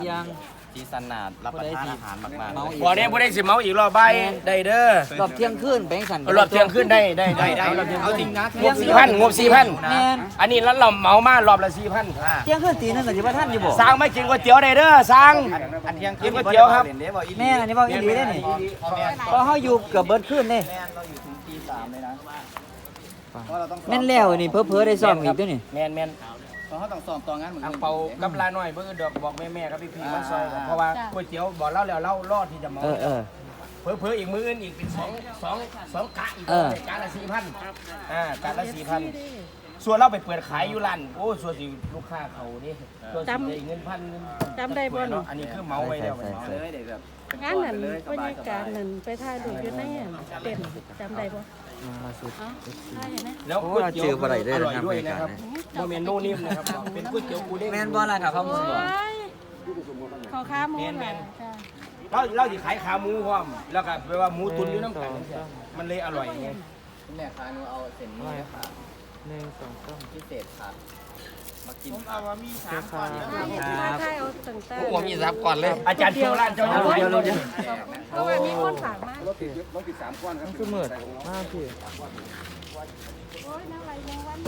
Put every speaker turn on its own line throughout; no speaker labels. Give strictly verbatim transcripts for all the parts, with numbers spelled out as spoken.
ยัง
จีสนาดรับประทานอาหารมากๆ
บ่ได้บ่ได้สิเมาอีกรอบใบได้เด้อ
รอบเที่ยงคืนแบงค์สัน
รอบเที่ยงคืนได้ได้ได้
เอาจริงนะ
งบสี่พันงบสี่พัน
แม่น
อันนี้แล้วเราเมามารอบละสี่พัน
เที่ยงคืนตีนึงก็สิว่าท่านอยู่บ่
สร้างไม่กินก๋วยเตี๋ยวได้เด้อสร้าง
อันเที่ยง
กินก๋วยเตี๋ยวครับ
แม่อันนี้เว้าอีหลีได้นี่เพราะเฮาอยู่เกือบเบิดคืนนี่
แม่เราอยู่ถึงตีสามเลยนะเพราะเราต้อง
แม่นแล้วนี่เพ้อๆได้ซ้อมอีกเด้อนี่
แม่นแม่น
เพราะเขาต้องซ้อมต่องานเหมือน
อังเปากับลาหน่อยเบิ่งดอกบอกแม่ๆกับพี่ๆมาซอยเพราะว่าก๋วยเตี๋ยวบอกเล่าแล้วเล่ารอดที่จะเมา
เออเออ
เผลอๆอีกมื้ออื่นอีกเป็นสองสองสองกะอีก
เออ
กะละสี่พันอ่ากะละสี่พันส่วนเราไปเปิดขายอยู่ร้านโอ้ส่วนสิลูกค้าเขานี่ส่วนสิได้เงินพันเงิน
จำได้บ่หนู
อันนี้คือเมาไว้แล้ว
เมาเลยเด็กแบบ
งานนั้นบรรยากาศนั้นไปถ่ายรูปอยู่ในเต็นท์จำได้บ่เอ้าถ่ายเห็นไหม
แล้วก๋วยเตี๋ยวอร่อยด้วยนะครับโมเมนโนนิ่มนะครับเป็นก๋วยเตี๋ยวกูเด้ง
แม่นบ่ล่ะครับเขา
โอ้
สิบ่
ยขอค้าหมูหน่อยจ้ะ
เราเราสิขายขาหมูพร้อมแล้วก็แปลว่าหมูตุ๋นอยู่น้ำกันมันเลยอร่อยไง
คุณแม่ค้าหนูเอาเส้นนี้ค่ะ
หนึ่งสองสาม
พิเศษค่ะมากิน
ถ่ายถ่ายเอาต่างๆ
ผมมีซับก่อนเลย
อาจารย์เที่ยวร้านเจ้าอยู่เดียวเลย
เพราะว่ามีคนฝากมา
มันคือเหมือนมากพี่
โอ้ยน้ำไหลแมงวัน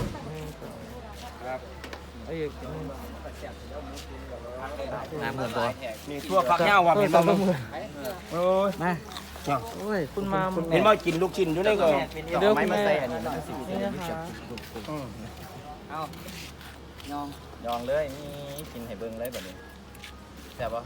ไอ้อีกหนึ่ง
น้ำเหมือนบ่
มีทั่วฝักเหย้าว่าเป็นบ่มึงโอ้ย
มา
โอ้ยคุณมา
เห็นว่ากินลูกชิ้นอยู่ในก็
เดี๋ยว
ไม่
คุณ
มา
แม่
ใส่อันนี้มันสี
นี่นะคะ
เอายองยองเลยนี่กินให้เบิ่งเลยแบบนี้แซ่บปะ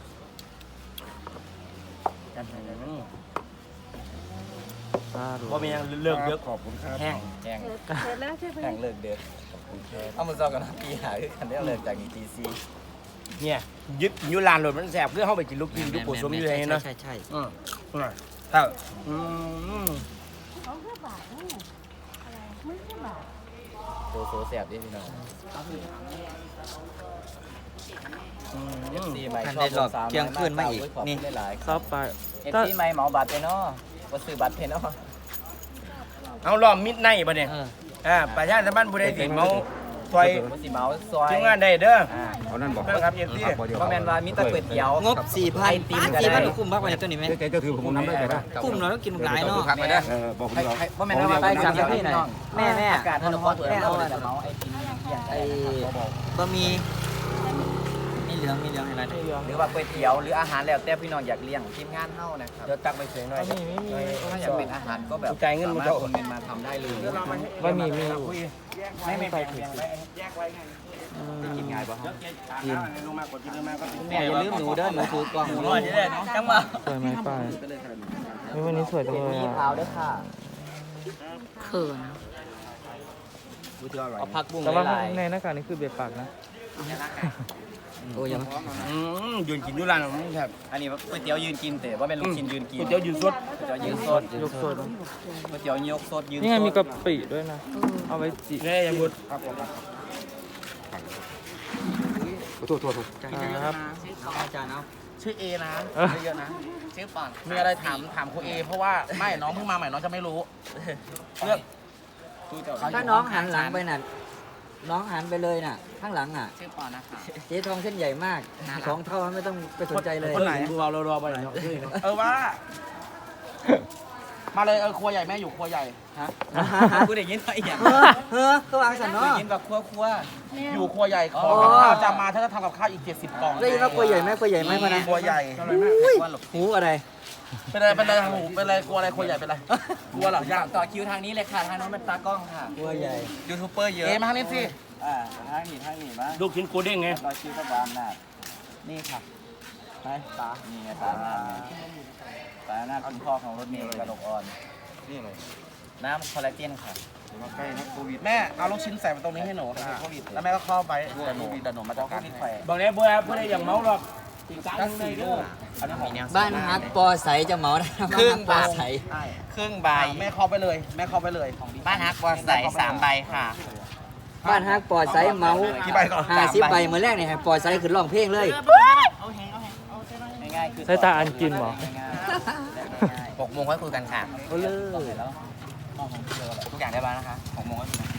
ตาดู
พอมียังเลิกเยอะขอบคุณครับแห้ง
แห้ง
เสร็จแล้วใช่ไหม
แห้งเลิกเดือดเอามาซ้อมกันนะปีหาคือกันได้เลิกจากอีทีซี
เนี่ยยึดอยู่ร้านรถมันแสบเพื่อเข้าไปกินลูกชิ้นลูกปูสมอยู่เลยเนาะ
ใช่ใช่
อืมถ้าอืม
เขาแค่บาทนี่อะไรไม่แค่บาท
โซโซแซ่บดิพี่น้องเอฟซีใหม่ชอบลงสามร้อยมากขอบคุณหลายๆ
ซับไป
เอฟซีใหม่เหมาบัตรไปเนาะว่าซื้อบัตรเพนเนาะ
เอาล้อมมิดในบ่เนี่ย
เออ
อ่าประชาชนบ้านบุรีสิเมาซอย
ว่าสิเหมาซอย
ทีมงานได้เด้อ
เอานั่นบอก
นะครับเอฟซี
เพราะแมนว่ามีแตะก๋วยเตี๋ยว
งบสี่พัน
ไอติมก็
สี่พัน
ได้
คุ้มมากกว่านี้ตัวนี้ไหม
เจ๊ถือผมน้ำได้ไหมครับ
คุ้มเนาะต้องกินหลายเนาะ
ไม่ได้
เออบอกผมเรา
เพราะแมนว่าไปสั่งให้พี่หน่อย
แม่แม่
อากาศมันร้อนแม่เอาแต่เมาไอติมเปียก
ไอ้บะหมี่มีเหลืองมีเหลืองอะไร
หรือว่าก๋วยเตี๋ยวหรืออาหารแล้วแต่พี่น้องอยากเลี้ยงทีมงานเฮานะครับ
เดี๋ยวตักไปเสียหน่อย
ไม่มีไม่มี
ถ้าอยากเป็นอาหารก็แบบ
จ่ายเงินมึงจะ
สามารถโอนเงินมาทำได้เลย
ไม่มีมีอยู่
ไม่ไม่ไปถึงแยกไว้ไง
กินง่ายป่ะ
กินลงมากดกินลงมาก็
แม่อย่าลืมหนูเด้อหนูถือกล่องหนู
รอดได้น้องจังมา
สวยไหมป้าเฮ้ยวันนี้สวยจังเลย
มี
อ่ะ
ขาวด้วยค่ะ
เขิน
เอาผักบุ้ง
แต่ว่า
หลาย
ในหน้ากากนี่คือเบียดปากนะ
โอ้ยยัง
อืมยืนกินอยู่ร้านนี่ครับ
อันนี้ก๋วยเตี๋ยวยืนกินแต่ว่าเป็นลูกชิ้นยืนกิน
ก๋วยเตี๋ยวยืนสด
ก๋วยเตี๋ยวยืนสด
ยกสด
ก๋วยเตี๋ยวยกสดยืน
นี่ไงมี
ส
กะ
ด
ปิด้วยนะ เอาไว้จี
แค่ยังบุด
โทษโทษโทษ
ครับ
เอาอาจารย์เอา
ชื่อเอนะ
เออ
เยอะๆนะ ชื่อปอนมีอะไรถามถามครูเอ เพราะว่าไม่น้องเพิ่งมาใหม่น้องจะไม่รู้เรื่อง
ถ้าน้องหันหลังไปน่ะน้องหันไปเลยน่ะ ข้างหลังอ่ะ
ชื่อปอนนะคะ
เจ๊ทองเส้นใหญ่มากสองเท่าไม่ต้องไปสนใจเลย
คนไหนดูเรารอๆไปหน่อย
เออว่า มาเลยเออครัวใหญ่แม่อยู่ครัวใหญ่
ฮะ
กูได้ยินไปอย่าง
เฮ้อเฮ้อก็วางสัน
ได้
เนาะ
ยินแบบครัวครัว
อยู่ครัวใหญ่ข
อ๋
อ
อ
กับข้าวจะมาถ้าจะทำกับข้าวอีกเจ็ดสิบกล่อง
ได้ยินว่ากลัวใหญ่ไหมกลัวใหญ่ไหมพะนะ
ครัวใหญ่
อุ้ยหูอะไร
เป็นอะไรเป็นอะไรหูเป็นอะไรกลัวอะไรครัวใหญ่เป็นอะไรกลัวเหรอย่าง
ต่อคิวทางนี้เลยค่ะทางโน้นเป็นตากล้องค่ะ
กลัวใหญ่
ยูทูบเบอร์เยอะ
เอมาทางนี้สิ
อ่าทางนี้ทางนี้บ้าง
ลูกชิ้นกูเด้งไง
ต่อคิวกับบานน่ะนี่ค่ะไปตานี่ไงตาหน้าไงตาหน้าคุณพ่อของรถเมล์กระดกอ่อนนี่เลยน้ำคอลลาเจนค่ะ
มาใกล้นะโควิดแม่เอาลูกชิ้นใส่มาตรงนี้ให้หนูโควิดแล้วแม่ก็เข้าไปแต่หนูแต่หนูมาจัดการให้
บอกแล้วเพื่อเพื่ออย่างเมาหรอกอีกสาม
ก็
สี่
สี่
ลู
ลู
ก
กอันนี้ของ
บ้านฮักปอใสจะเหมาได้
ครึ่ง
บ้านฮักปอบ
าท
ใส
ใช่
ครึ่งใบ
แม่เข้าไปเลยแม่เข้าไปเลยของ
บ้านฮักวอใส่สามใบค่ะ
บ้านฮักปอใสเหมา
กี่ใบก่อน
ห้าสิบใบเมื่อแรกเนี่ยให้ปอใสขึ้นร้องเพลงเลย
ง่ายๆคือ
ใช้ตาอันกินเหรอ
หกโมงค่อยคุยกันค่ะ
โอ้เลย
ทุกอย่างได้บ้างนะคะหกโมงค่อยคุยกัน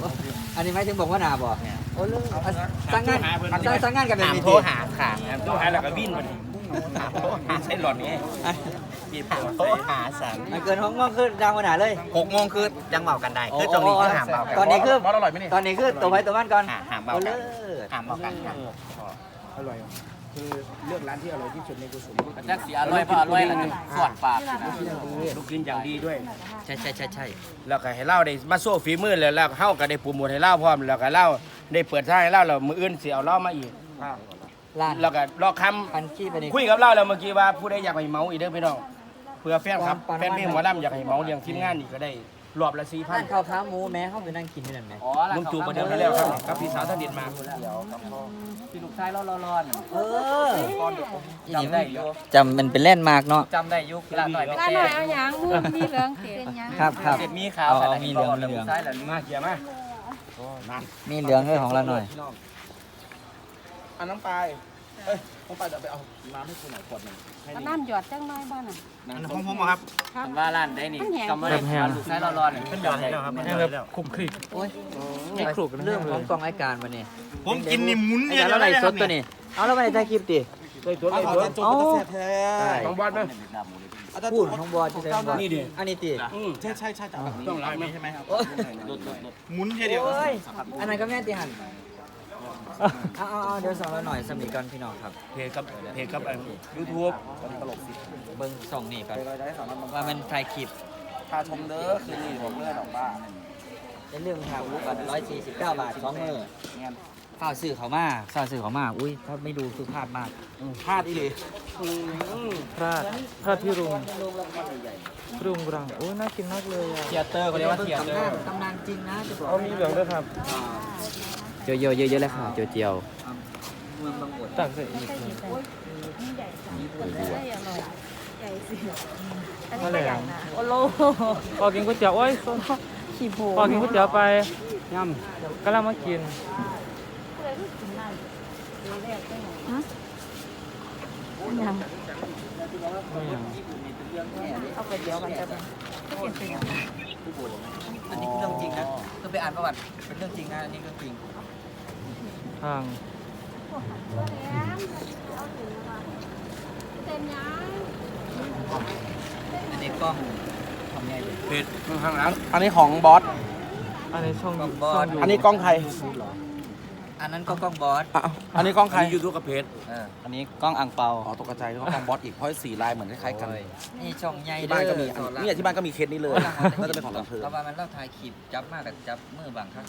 อันนี้หมายถึงบอกว่านาบ่โอ้เรื่องสร้างงานสร้างงานกันแบบ
ถาม
นี้
โทรหาค่ะโทรหาแล้วก็วิ่งมันถามโทรหาใช่หลอดนี้จีบโทรหาสั่ง
มันเกินห้องมองคือดาวขนาดเลย
หกโมงคือยังเมากันได้คือตรงนี้คือหามเมากัน
ตอนนี้คือ
มอสอร่อยไหมนี่
ตอนนี้คือตัวไว้ตัวมันก่อน
หามเมา
โอ้
กั
เลิ
น
ศ
หามเมากันอร่อยคือเลือกร้านที่อร่อยที่สุดในกุศล
จักสีอร่อยพออร่อยแล้วจะสวดปาก
ลูกกินอย่างดีด้วย
ใช่ใช่ใช่ใช่
แล้วก็ให้เล่าได้มาโซ่ฝีมือแล้วแล้วเฮาก็ได้โปรโมทให้เล่าพร้อมแล้วก็เล่าได้เปิดท่าให้เล่าแล้วมืออื่นสิเอาเล่ามาอีก
ร้าน
แล้วก็รอค
พันขี้ไปนี่
ำคุยกับเล่าแล้วเมื่อกี้ว่าผู้ใดอยากให้เมาอีกเด้อพี่น้องเพื่อแฟนครับ
ปาน
แฟนเพลงหมอลำอยากให้เมาเลี้ยงทีมงานอีกก็ได้รอบละสี่พั
ร้าน นข้าวขาหมูแม้เขาไปนั่งกินที่นั่นไหม
อ๋อ
ลุงตู่ประเดิมไปแล้วครับกับพี่สาวท่านเด็ดมา
พี่ลูกชายร้อนร้อน
เออ
จำได้อยู่
จำมันเป็นแลนด์มาร์กเนาะ
จำได้ยุคลาหน่อยไม่
ร้าน
เต้
หน่อยเอาหยังมูมีเหลืองเต็มยัง
ครับครับ
เสร็จมีขาว
เอามีเหลืองมีเหลือง
ใช่แล้ว
มาเกี่ยมา
มีเหลืองด้วยของเราหน่อย
อันน้ำปลายเอ้ยน้ำปลายจะไปเอาน้ำให้คุณหน่อยขวดหนึ่ง
เอาน้ำหยอดจังน้อยบ้านน่ะ
อันของผมครับ
ผมว่าร้านได้นี่กำมาได้ลูกชายร้อนร้อนขึ้นแบบไหน
ให้แบบคลุกคลิก
โอ้ย
ไม่คลุกนะ
เรื่องของกองรายการวันนี้
ผมกินนี่หมุน
ไอ้
เนี่ย
การเราไล่สดตัวนี้เอาแล้วไปถ่ายคลิปดิ
เลยตัวเลย
เอา
ตัว
จนจนจะแซ่บแท้
ของบอสไหม
พูดของบอลที่ไหนบอล
นี่ดิ
อันนี้ติ
อืม
ใช่ใช่ใช่แต่แบบนี้
ต้องไล่ไหม
ใช่ไหมครับ
โอ้ย
หมุนแค่เดียว
โอ้ยอันนั้นก็แม่ตีหันเอาเอาเอาเดี๋ยวสองเราหน่อยสมีก่อนพี่น้องครับ
เพจกับเพจกับยูทูบ
ตลกสิ
เบิ้งส่องนี่ก่อน
ไปได้สองน้ำ
ว่ามันถ่ายคลิป
พาชมเด้อคืนนี้ผมเลือดออกบ้า
เป็นเรื่องทางวุฒิบัตรร้อยสี่สิบเก้าบาทสองมือข้าวสื่อเขามาข้าวสื่อเขามาอุ้ยถ้าไม่ดูคือพลาดมาก
พลาดอีเลย
พลาดพลาดพี่รุงรุงรังโอ้ยน่ากินมากเลยอ่ะ
เทียเตอร์เขาเรียกว่าเทียเตอร์
ตำนานจริงนะจะบอก
เอามีเหลืองด้วยครับ
เจียวเจียวเยอะๆเลยค่ะเจียวเจียวเมืองบางบด
ตักใส่อีก
ใช่
เลย
ใช่อร่อยใหญ่สิอันนี้
อะไร
ก็ใหญ่
อ่ะ
นะโอโล
พอกินก๋วยเตี๋ยวโอ้ยส้น
ขี้โบ
พอกินก๋วยเตี๋ยวไปย่ำก็แล้วมากิน
ยัง
ไม่ยัง
เอาไปเดี๋ยวมันจะเป็น
อันนี้คือเรื่องจริงนะต้องไปอ่านประวัติเป็นเรื่องจริงนะอันนี้เรื่องจริง
ทาง
เป็นยัง
อันนี้กล้องทำไงเลย
เพจข้างหลัง
อันนี้ของบอส
อันนี้ช่อง
กล้องบ
ช่
อ
อง
ส
ยู
อันนี้กล้องใคร
อันนั้นก็กล้องบอส
อ่ะอันนี้กล้องใคร
ยูทูบกับเพจ
เอออันนี้กล้องอังเปา
อ๋อตกใจก็กล้องบอสอีกเพราะสีลายเหมือนคล้ายๆกัน
นี่ช่องใหญ่
ที่
เด้
บ้าน
อ
ก็มีอันนี่ที่บ้านก็มีเคสนี้เลยน่าจะเป็นของลำเพลิน
เราว่ามันเล่าถ่ายคลิปจับมากกับจับมือบางครั้ง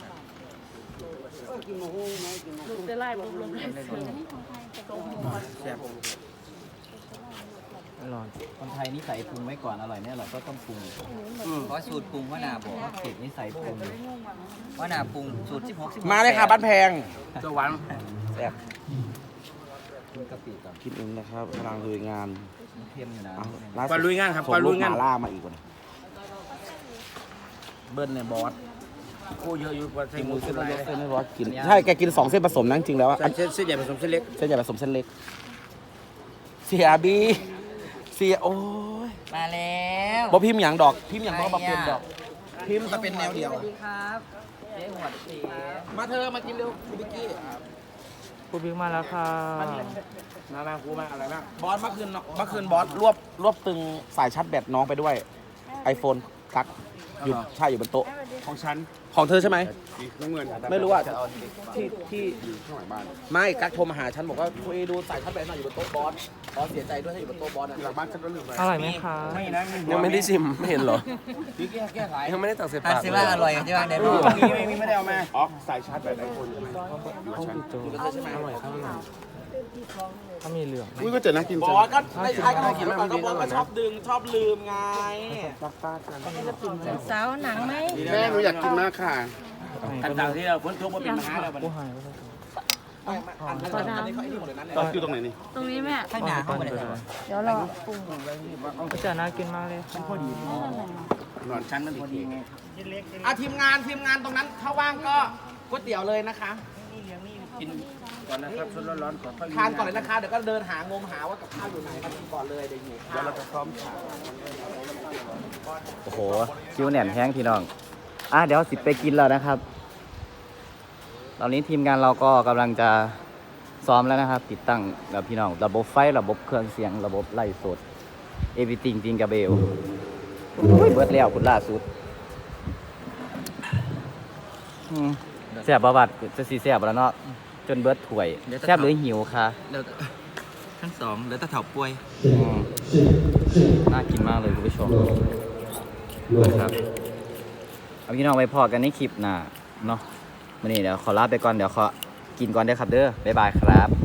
ลูกจะไล่บุกลงเลยเสือ
อร่อย
คนไทยนี่ใส่ปรุงไว้ก่อนอร่อยไม่อร่อยก็ต้องปรุง
เพราะสูตรปรุงว่านาบอกว่าเผ็ดนี่ใส่ปรุงว่านาปรุงสูตรสิบหกสิบ
มาเลยค่ะบ้านแพง
เจ้าหวัง
แซ่บ
กินกะปิก่อน
กินเองนะครับกำลังลุยงาน
มันเค็มอยู่นะ
เอาล่า
ปลา
สุด
ลุยงานครับ
ส่
ปลาง
ลู
ลุ
ก
ย
ห
งาน
มาล่ามาอีกคนเบิ้ลเนี่ยบอส
โอ้เยอะอยู่กว่าใส่
กิน
ห
ห
มู
มู
สุ
เส้
ด
น
ลาย
เล็กเส้นไม่บอสกินใช่แกกินสองเส้นผสมนะจริงๆแล้วอะ
ใส่เส้นเส้นใหญ่ผสมเส้นเล็ก
เส้นใหญ่ผสมเส้นเล็กเสียบีเสียโอ้ย
มาแล้ว
บอพิมพ์อย่างดอกพิมพ์อย่างก็บอพิมพ์ดอกพิมพ์จะเป็นแนวเดียว
สวัสดีครับเจ๊หัวสี
มาเธอมากินเร็วคุณบิกกี้
กูบิ๊กมาแล้วค่ะ
นานาคูมาอะไรบ้าง
บอสเมื่อคืนเนอะเมื่อคืนบอสรวบรวบตึงสายชาร์จแบตน้องไปด้วย iPhone กักอยู่ใช่อยู่บนโต๊ะ
ของฉัน
ของเธอใช่ไหม
น้ำเงิน
ไม่รู้อ่ะที่ที่ข้างหลังบ้านไม่กักโทรมาหาฉันบอกว่าคุยดูสายชาร์จแบตหน่อยอยู่บนโต๊ะบอสบอสเสียใจด้วยที่อยู่บนโต๊ะบอสนะ
หลังบ้านฉันก็ลืมไป
อร่อยไหมคะ
ไม่นะ
ยังไม่ได้ชิมไม่เห็นเหรอ
พี่แก้แก้ไข
ยังไม่ได้ตักใส่
อัน
ปาก
สิว่าอร่อยกันใช่ไหมเดี๋ยว
ตรงนี้ไม่มีไม่ได้เอามาอ๋อสายชาร์จแบตไอโฟนใช่ไหม
อร่อยครับอร่อยถ้ามีเหลือง
อุ้ยก็เจอนะกิน
บ
จั
อง สก็ไม่ใช่ก็กินแล้วก็บอสก็ชอบดึงชอบลืมไง
สาวหนังไหม
แม่หนูอยากกินมากค่ะ
ต่างๆที่เราฝนตกมาเป็นมหาแล้วมัน
กูหายไปแล้ว
อันอันนี้เขาไอ้นี่หมดเลยนะ
ตอนอยู่ตรงไหนนี่
ตรงนี้แม่
ข้างหน้าเข้ามาเลย
เดี๋ยวรอ
ก็จะน่ากินมากเลยค่ะ
นอนชั้นนั่นพอดี
อ่ะทีมงานทีมงานตรงนั้นถ้าว่างก็ก๋วยเตี๋ยวเลยนะคะ
กินก่อนนะครับชุดร้อนๆขอค่อย
ทานก่อนเลยนะคะเดี๋ยวก็เดินหางมหาว่ากับข้าวอยู่ไหนมากินก่อนเลยเดี๋ยวหิวข้าว
เราจะพร้อมฉาก
โอ้โหคิวแหน่นแห้งพี่น้องอ่ะเดี๋ยวสิไปกินแล้วนะครับตอนนี้ทีมงานเราก็กำลังจะซ้อมแล้วนะครับ ติดตั้งกับพี่น้องระบบไฟระบบเครื่องเสียงระบบไล่สดเอวิติงจริงกับเบลโอ้ยเบิดแล้วคุณล่าสุดอืมแซ่บประวัติจะสีแซ่บแล้วเนาะจนเบิดถ้วยแซ่บหรือหิวคะ
แล้วทั้งสองแล้วตะเถาป่วย
อืมน่ากินมากเลยคุณผู้ชมนะครับเอาพี่น้องไปพอกันในคลิปหน้าเนาะวันนี้เดี๋ยวขอลาไปก่อนเดี๋ยวขอกินก่อนเด้อครับเด้อบ๊ายบายครับ